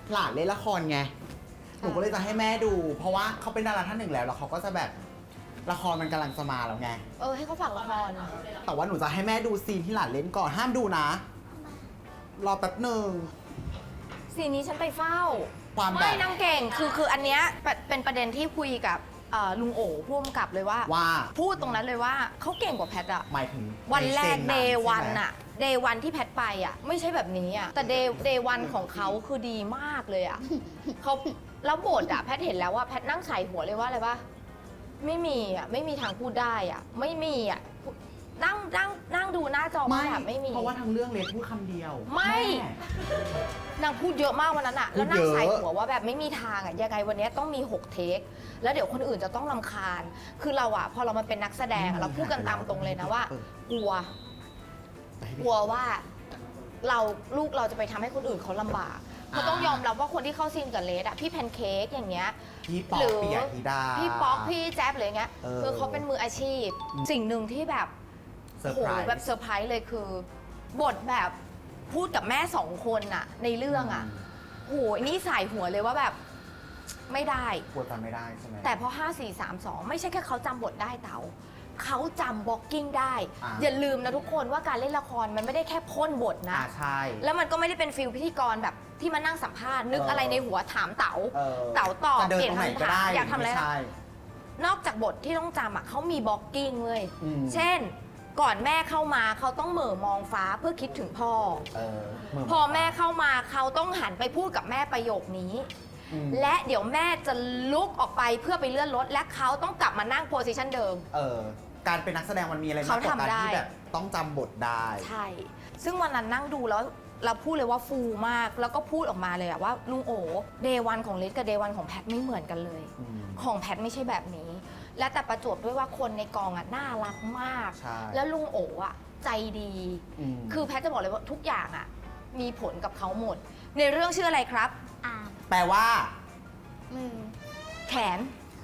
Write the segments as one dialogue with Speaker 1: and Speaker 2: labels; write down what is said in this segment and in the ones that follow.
Speaker 1: หลานเล่นละครไงหนูก็เลยจะให้แม่ดู เพราะว่าเขาเป็นดาราท่านหนึ่งแล้วเขาก็จะแบบละครมันกำลังจะมาแล้วไง
Speaker 2: ให้เขาฝากละคร
Speaker 1: แต่ว่าหนูจะให้แม่ดูซีนที่หลานเล่นก่อนห้ามดูนะรอแป๊บหนึ่ง
Speaker 2: ซีนนี้ฉันไปเฝ้า
Speaker 1: ความแบบ
Speaker 2: ไม่นางเก่งคืออันเนี้ยเป็นประเด็นที่คุยกับลุงโอ๋ผู้กำกับเลยว่าพูดตรงนั้นเลยว่าเขาเก่งกว่าแพทอะ
Speaker 1: หมายถึง
Speaker 2: วันแรกเดย์วันอะเดย์วันที่แพทไปอะไม่ใช่แบบนี้อะแต่เดย์วันของเขาคือดีมากเลยอะเขาแล้วบทอะแพทเห็นแล้วว่าแพทนั่งใส่หัวเลยว่าอะไรวะไม่มีอะไม่มีทางพูดได้อะไม่มีอะนั่งดูหน้าจอแบบไม่มี
Speaker 1: เพราะว่าทั้งเรื่องเลดพูดคำเดียว
Speaker 2: ไม่นางพูดเยอะมากวันนั้นอะแล้วนั่งใส่หัวว่าแบบไม่มีทางอะยังไงวันนี้ต้องมี6 เทคแล้วเดี๋ยวคนอื่นจะต้องรำคาญคือเราอะพอเรามาเป็นนักแสดงเราพูดกันตามตรงเลยนะว่ากลัวว่าลูกเราจะไปทำให้คนอื่นเขาลำบากเขาต้องยอมรับว่าคนที่เข้าซีนกับเลดอะพี่แพนเค้กอย่างเงี้ย
Speaker 1: พี่ป๊อกปิยธิดา
Speaker 2: พี่ป๊อกพี่แจ๊บอะไรเงี้ยคือเขาเป็นมืออาชีพสิ่งหนึ่งที่แบบโหแบบเซอร์ไพรส์เลยคือบทแบบพูดกับแม่2 คนอะในเรื่องอะโหนี่ใส่หัวเลยว่าแบบไม่ได้
Speaker 1: กลัวจำไม่ได้ใช่ไหม
Speaker 2: แต่พอ5 4 3 2ไม่ใช่แค่เขาจำบทได้เต๋าเขาจำบล็อกกิ้งได้อย่าลืมนะทุกคนว่าการเล่นละครมันไม่ได้แค่พ่นบทนะ
Speaker 1: ใช่
Speaker 2: แล้วมันก็ไม่ได้เป็นฟิลพิธีกรแบบที่มานั่งสัมภาษณ์นึกอะไรในหัวถามเต๋าตอบ
Speaker 1: เปลี่ยนคำถาม
Speaker 2: อยากทำอะไรนอกจากบทที่ต้องจำอะเขามีบล็อกกิ้งเลยเช่นก่อนแม่เข้ามาเขาต้องเหม่อมองฟ้าเพื่อคิดถึงพ่อพอแม่เข้ามาเขาต้องหันไปพูดกับแม่ประโยคนี้และเดี๋ยวแม่จะลุกออกไปเพื่อไปเลื่อนรถและเขาต้องกลับมานั่งโพสิชันเดิม
Speaker 1: การเป็นนักแสดงมันมีอะไรมากกว่าการที่แบบต้องจำบทได้
Speaker 2: ใช่ซึ่งวันนั้นนั่งดูแล้วเราพูดเลยว่าฟูมากแล้วก็พูดออกมาเลยอะว่าลุงโอ๋เดย์วันของเลสกับเดย์วันของแพทไม่เหมือนกันเลยของแพทไม่ใช่แบบนี้และแต่ประจวบด้วยว่าคนในกองอะน่ารักมากแล้วลุงโอ๋อะใจดีคือแพทจะบอกเลยว่าทุกอย่างอะมีผลกับเขาหมดในเรื่องชื่ออะไรครับ
Speaker 1: แปลว่า
Speaker 2: มือแขน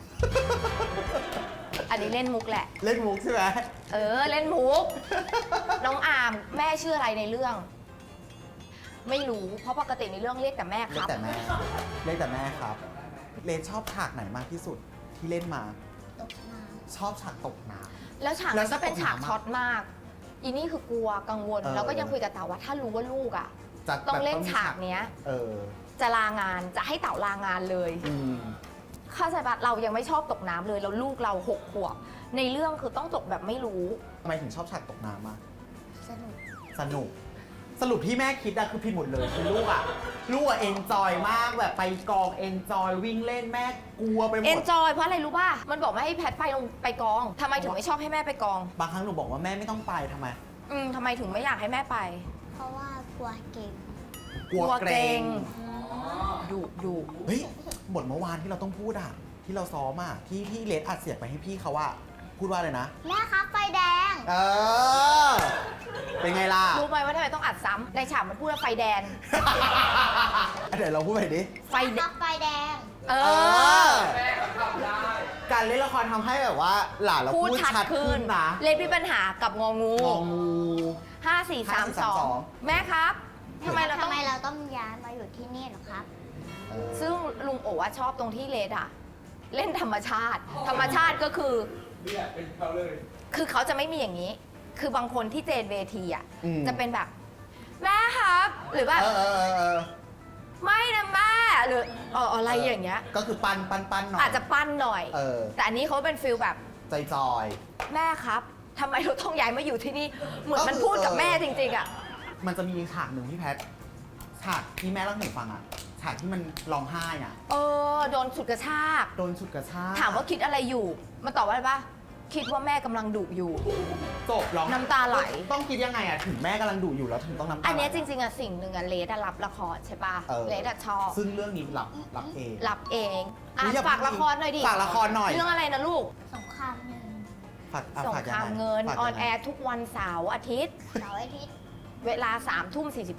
Speaker 2: อันนี้เล่นมุกแหละ
Speaker 1: เล่นมุกใช่ไหม
Speaker 2: เล่นมุกน้องอามแม่ชื่ออะไรในเรื่องไม่รู้เพราะปกติในเรื่องเรียกแต่แม่ครับ
Speaker 1: เรียกแต่แม่ครับเลนชอบฉากไหนมากที่สุดที่เล่นมา
Speaker 3: ตกน้
Speaker 1: ำชอบฉากตกน้
Speaker 2: ำแล้วฉากนั้นก็เป็นฉากช็อตมากอีนี่คือกลัวกังวลแล้วก็ยังคุยกับเต๋าว่าถ้ารู้ว่าลูกอ่ะต้องเล่นฉากเนี้ยจะลางานจะให้เต๋าลางานเลยข้าใจปะเรายังไม่ชอบตกน้ำเลยแล้วลูกเรา6 ขวบในเรื่องคือต้องตกแบบไม่รู้
Speaker 1: ทำไมถึงชอบฉากตกน้ำอ่ะ
Speaker 3: สนุก
Speaker 1: สรุปที่แม่คิดอะคือผิดหมดเลยคือลูกอะเอนจอยมากแบบไปกองเอนจอยวิ่งเล่นแม่กลัวไปหมด
Speaker 2: เอนจอยเพราะอะไรรู้ป่ะมันบอกไม่ให้แพทไปกองทำไมถึงไม่ชอบให้แม่ไปกอง
Speaker 1: บางครั้งหนูบอกว่าแม่ไม่ต้องไปทำไม
Speaker 2: ทำไมถึงไม่อยากให้แม่ไป
Speaker 3: เพราะว่ากลัวเก่ง
Speaker 1: กลัวเกรง
Speaker 2: ดุ
Speaker 1: เฮ้ยบทเมื่อวานที่เราต้องพูดอะที่เราซ้อมอะที่เลดอัดเสียงไปให้พี่เขาว่าพูดว่าอะไรนะ
Speaker 3: แม่ครับไฟแดง
Speaker 1: เป็นไงล่ะ
Speaker 2: รู้ไหมว่าทำไมต้องอัดซ้ำในฉากมันพูดว่าไฟแดง
Speaker 1: เดี๋ยวเราพูดไปดิ
Speaker 3: ไฟแดง
Speaker 1: การเล่นละครทำให้แบบว่าหลานเราพูดชัดขึ้นนะ
Speaker 2: เลดมีปัญหากับงองู5 4 3 2แม่ครับทำไมเรา
Speaker 3: ต้องย้ายมาอยู่ที่นี่หรอครับ
Speaker 2: ซึ่งลุงโอ๋ชอบตรงที่เลดอะเล่นธรรมชาติก็คือเป็นเขาเลยคือเขาจะไม่มีอย่างนี้คือบางคนที่เจนเวทีอ่ะจะเป็นแบบแม่ครับหรือว่าไม่นะแม่หรืออะไรอย่างเงี้ย
Speaker 1: ก็คือปั้นหน่อย
Speaker 2: อาจจะปั้นหน่อยแต่อันนี้เขาเป็นฟิลแบบ
Speaker 1: จอย
Speaker 2: แม่ครับทำไมเราต้องย้ายมาอยู่ที่นี่เหมือนมันพูดกับแม่จริงๆอ่ะ
Speaker 1: มันจะมีฉากหนึ่งที่แพทฉากที่แม่เล่าให้หนูฟังอ่ะฉากที่มันร้องไห้อ่ะ
Speaker 2: โดนฉุดกระชากถามว่าคิดอะไรอยู่มันตอบว่าอะไรปะคิดว่าแม่กำลังดุอยู่
Speaker 1: จบร้อง
Speaker 2: น้ำตาไหล
Speaker 1: ต้องคิดยังไงอะถึงแม่กำลังดุอยู่แล้วถึงต้องน้ำตาไหล
Speaker 2: อันนี้จริงๆอะสิ่งหนึ่งอะเลดรับละครใช่ปะเลดชอบ
Speaker 1: ซึ่งเรื่องนี้รับเอง
Speaker 2: ฝากละครหน่อยดิ
Speaker 1: ฝากละครหน่อย
Speaker 2: เรื่องอะไรนะลูก
Speaker 3: สงครามเงิน
Speaker 2: สงครามเงินออนแอร์ทุกวันเสาร์อาทิตย์เวลา3 ทุ่ม 45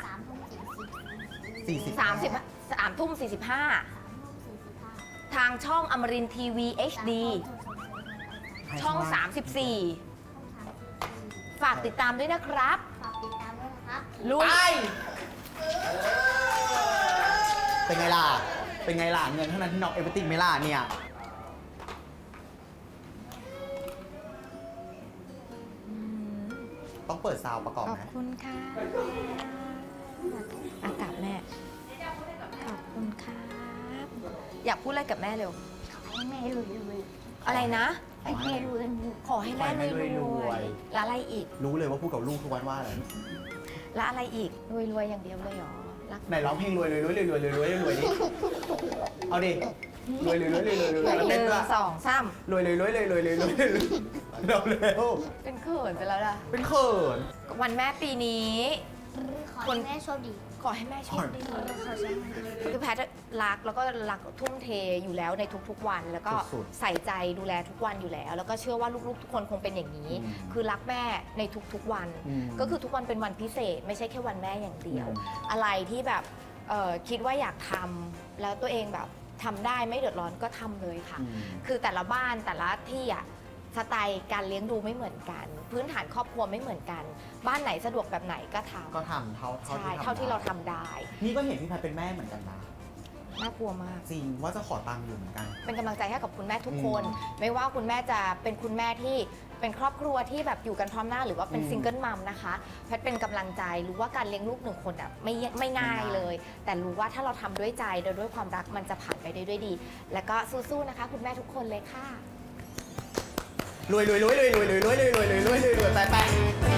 Speaker 2: 3 ทุ่ม 45ทางช่องอมรินทร์ทีวี HDช่อง 34ฝากติดตามด้วยนะครับ
Speaker 3: ฝากติดตามด้วยนะครับ
Speaker 1: ลุยเป็นไงล่ะ เป็นไงล่ะ เงินเท่านั้นที่น็อกเอเวอร์ติงไหมล่ะเนี่ย ต้องเปิดซาวด์ประกอบ
Speaker 2: ขอบ
Speaker 1: ไหม
Speaker 2: คุณค่ะอากาศแม่ ขอบคุณครับ อยากพูดอะไรกับแม่เร็ว
Speaker 3: ให้แม่รวย
Speaker 2: อะไรนะ
Speaker 3: ๆให้แม่รวย
Speaker 2: ขอให้แม่รวยๆแล้วอะไรอีก
Speaker 1: รู้เลยว่าพูดกับลูกทุกวันว่าอะไร
Speaker 2: แล้วอะไรอีก รวยๆอย่างเดียวเลยเหรอ รัก
Speaker 1: ไหนร้องเพลงรวยเลยรวยรวยรวยรวยรวยรวยดิ เอาดิ รวยรวยรวยรวยรวยรวยแล้ว
Speaker 2: ห
Speaker 1: เต้น
Speaker 2: นึ่
Speaker 1: ด้วย
Speaker 2: งสองสาม
Speaker 1: รวยรวยรวยรวยรวยรวยรวยรวยเร็วเร็ว
Speaker 2: เป็นเขินไปแล้วล่ะ
Speaker 1: เป็นเขิน
Speaker 2: วันแม่ปีนี้
Speaker 3: ขอให้แม่โชคดี
Speaker 2: ขอให้แม่โชคดี
Speaker 3: ขอให้แม่โชคดี
Speaker 2: คือแพทย์รักแล้วก็รักทุ่มเทอยู่แล้วในทุกๆวัน แล้วก็
Speaker 1: สุด
Speaker 2: ใส่ใจดูแลทุกวันอยู่แล้ว แล้วก็เชื่อว่าลูกๆทุกคนคงเป็นอย่างนี้
Speaker 1: อืม
Speaker 2: คือรักแม่ในทุกๆวัน
Speaker 1: อืม
Speaker 2: ก็คือทุกวันเป็นวันพิเศษ ไม่ใช่แค่วันแม่อย่างเดียว
Speaker 1: อืม
Speaker 2: อะไรที่แบบคิดว่าอยากทำแล้วตัวเองแบบทำได้ไม่เดือดร้อนก็ทำเลยค่ะ
Speaker 1: อืม
Speaker 2: คือแต่ละบ้านแต่ละที่อะสไตล์การเลี้ยงดูไม่เหมือนกัน พื้นฐานครอบครัวไม่เหมือนกัน บ้านไหนสะดวกแบบไหนก็ทำ
Speaker 1: ก็ทำเท่า
Speaker 2: ใช่เท่าที่เราทำได้
Speaker 1: นี่ก็เห็นพี่แพทเป็นแม่เหมือนกันนะ
Speaker 2: น่ากลัวมาก
Speaker 1: จริงว่าจะขอตังค์อยู่เหมือนกัน
Speaker 2: เป็นกำลังใจให้กับคุณแม่ทุกคน
Speaker 1: อืม
Speaker 2: ไม่ว่าคุณแม่จะเป็นคุณแม่ที่เป็นครอบครัวที่แบบอยู่กันพร้อมหน้าหรือว่าเป็น
Speaker 1: อืม
Speaker 2: ซิงเกิลมัมนะคะแพทย์เป็นกำลังใจรู้ว่าการเลี้ยงลูกหนึ่งคนอ่ะไม่ง่ายเลย แต่รู้ว่าถ้าเราทำด้วยใจโดยด้วยความรักมันจะผ่านไปได้ด้วยดี แล้วก็สู้ๆนะคะ คุณแม่ทุกคนเลยค่ะ
Speaker 1: รวยรวยรวยรวยรวยรวยรวยรวยรวยรวยรวยรวยไปไป